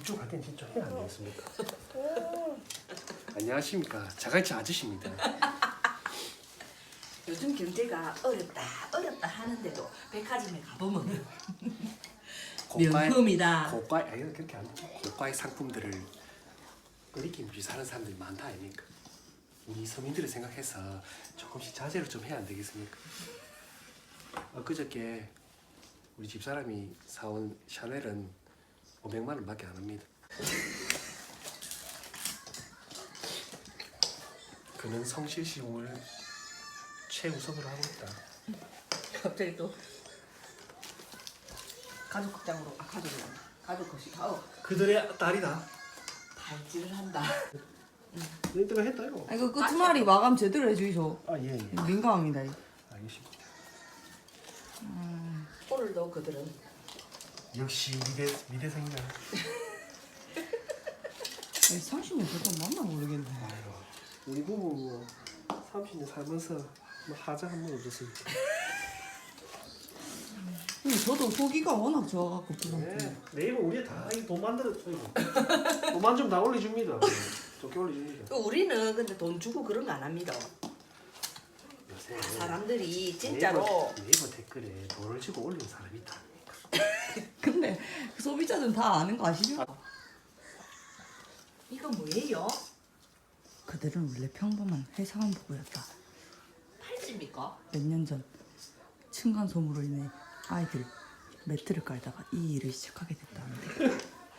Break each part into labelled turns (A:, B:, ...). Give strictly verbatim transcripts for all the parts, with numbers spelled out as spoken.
A: 집중할 땐 진짜 해야 안 되겠습니까? 안녕하십니까. 자갈치 아저씨입니다.
B: 요즘 경제가 어렵다 어렵다 하는데도 백화점에 가보면
A: 고가의-
B: 명품이다.
A: 고가의 아니 그렇게 안 돼. 고가의 상품들을 끓이긴 없이 사는 사람들이 많다 아닙니까? 우리 서민들을 생각해서 조금씩 자제를 좀 해야 안 되겠습니까? 엊그저께 우리 집사람이 사온 샤넬은 오백만 원밖에 안 합니다. 그는 성실시공을 최우선으로 하고 있다.
B: 갑자기 또 가족 극장으로 아 가족이 란다 가족 거식 아우
A: 그들의 딸이다.
B: 발질을 한다.
A: 너 때문에 했다 이거.
C: 아 이거 끝말이 마감 제대로 해주이소.
A: 아 예, 예.
C: 민감합니다.
A: 알겠습니다.
B: 오늘도 그들은
A: 역시 미대 미대생이다.
C: 삼십 년 됐던 맞나 모르겠네.
A: 아유, 우리 부부 뭐 삼십 년 살면서 뭐 하자 한 번 없었습니다.
C: 근데 저도 소기가 워낙 좋아갖고 부럽고.
A: 네, 네이버 우리 다돈 만들어 돈만 좀 다 올려줍니다. 좋게 올려줍니다.
B: 우리는 근데 돈 주고 그런 거 안 합니다.
A: 요새
B: 사람들이 진짜로
A: 네이버, 네이버 댓글에 돈을 주고 올리는 사람이 있다.
C: 근데 그 소비자들은 다 아는 거 아시죠?
B: 이거 뭐예요?
C: 그들은 원래 평범한 회사원 부부였다.
B: 팔찌입니까?
C: 몇 년 전 층간 소음으로 인해 아이들 매트를 깔다가 이 일을 시작하게 됐다는데.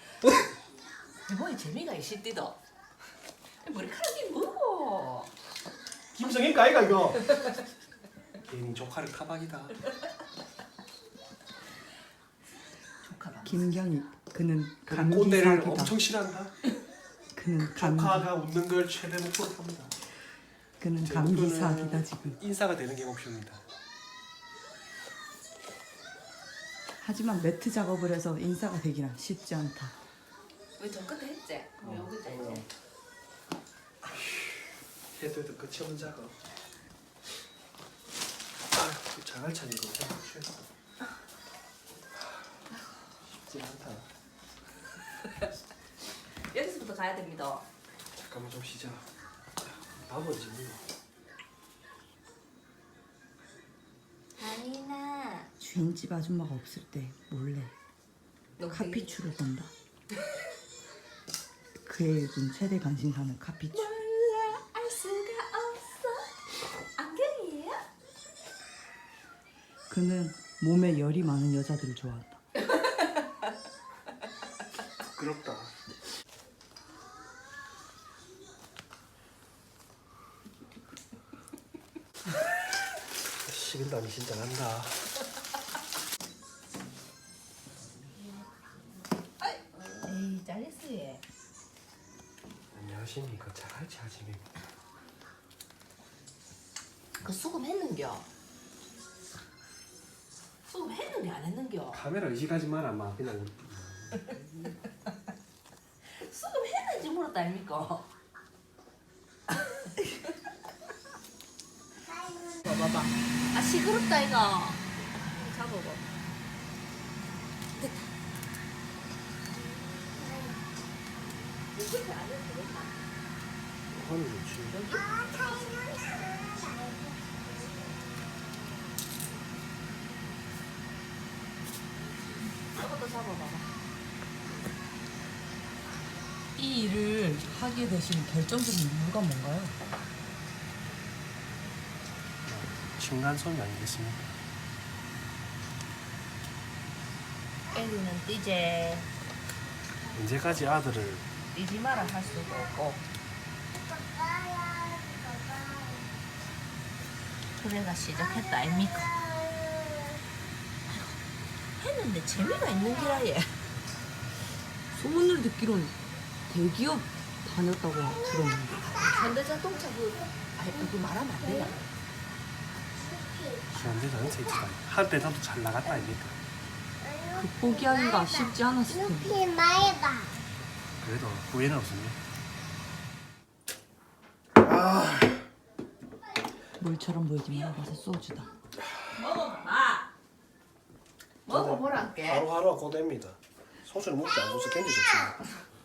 B: 뭐에 재미가 있을디도. 머리카락이 뭐고?
A: 김성인가 아이가 이거? 괜히 조카를 타박이다.
B: 조카가.
C: 김경희 그는
A: 그는
C: 감기
A: 꼰대를
C: 사기다.
A: 엄청 싫어한다.
C: 그는 감기
A: 조카가 웃는 걸 최대 목표로 합니다.
C: 그는
A: 제
C: 감기
A: 목표는
C: 사기다 지금.
A: 인사가 되는 게 목표입니다.
C: 하지만 매트 작업을 해서 인싸가 되기란 쉽지 않다.
B: 왜 저 끝에 했지? 왜 여기다
A: 어.
B: 했지?
A: 해도 해도 끝이 없는 작업. 아, 자갈찬 이거 취했어. 쉽지 않다.
B: 여기서부터 가야 됩니다.
A: 잠깐만 좀 쉬자. 밥은지 뭐.
B: 아니나.
C: 주인집 아줌마가 없을 때 몰래 카피추를 본다. 그의 요즘 최대 관심사는 카피추.
B: 몰라 알 수가 없어. 안경이에요?
C: 그는 몸에 열이 많은 여자들을 좋아한다.
A: 부끄럽다. 식은땀이 진짜 난다.
B: 에이 잘렸어요.
A: 안녕하십니까. 자갈치 아침입니다.
B: 그 수금 했는겨? 수금 했는데 안 했는겨?
A: 카메라 의식하지 마라. 막 그냥
B: 수금 했는지 물었다 아닙니까? 봐봐봐. 아 시끄럽다 이거. 잡아봐. 됐다. 이렇게 안 해도 되겠다.
A: 하는 좋지.
B: 저것도 잡아봐봐.
C: 이 일을 하게 되신 결정적인 이유가 뭔가요?
A: 층간소음이 아니겠습니까?
B: 애기는 뛰제.
A: 언제까지 아들을
B: 뛰지 마라 할 수도 없고. 그래가 시작했다 아닙니까? 했는데 재미가 있는 기라 얘.
C: 소문을 듣기론 대기업 다녔다고 들었는데.
B: 현대자동차 그 아이 그 말하면 안 되나?
A: 현대자동차 있지만 한때 나도 잘 나갔다 아닙니까?
C: 그 포기하기가 쉽지 않았을 텐데.
D: 루피 말해봐.
A: 그래도 후회는 없습니다.
C: 물처럼 보이지만 맛은 소주다.
B: 먹어봐. 먹어보란게.
A: 하루하루가 고됩니다. 소주를 먹지 않고서 견딜 수 없어요.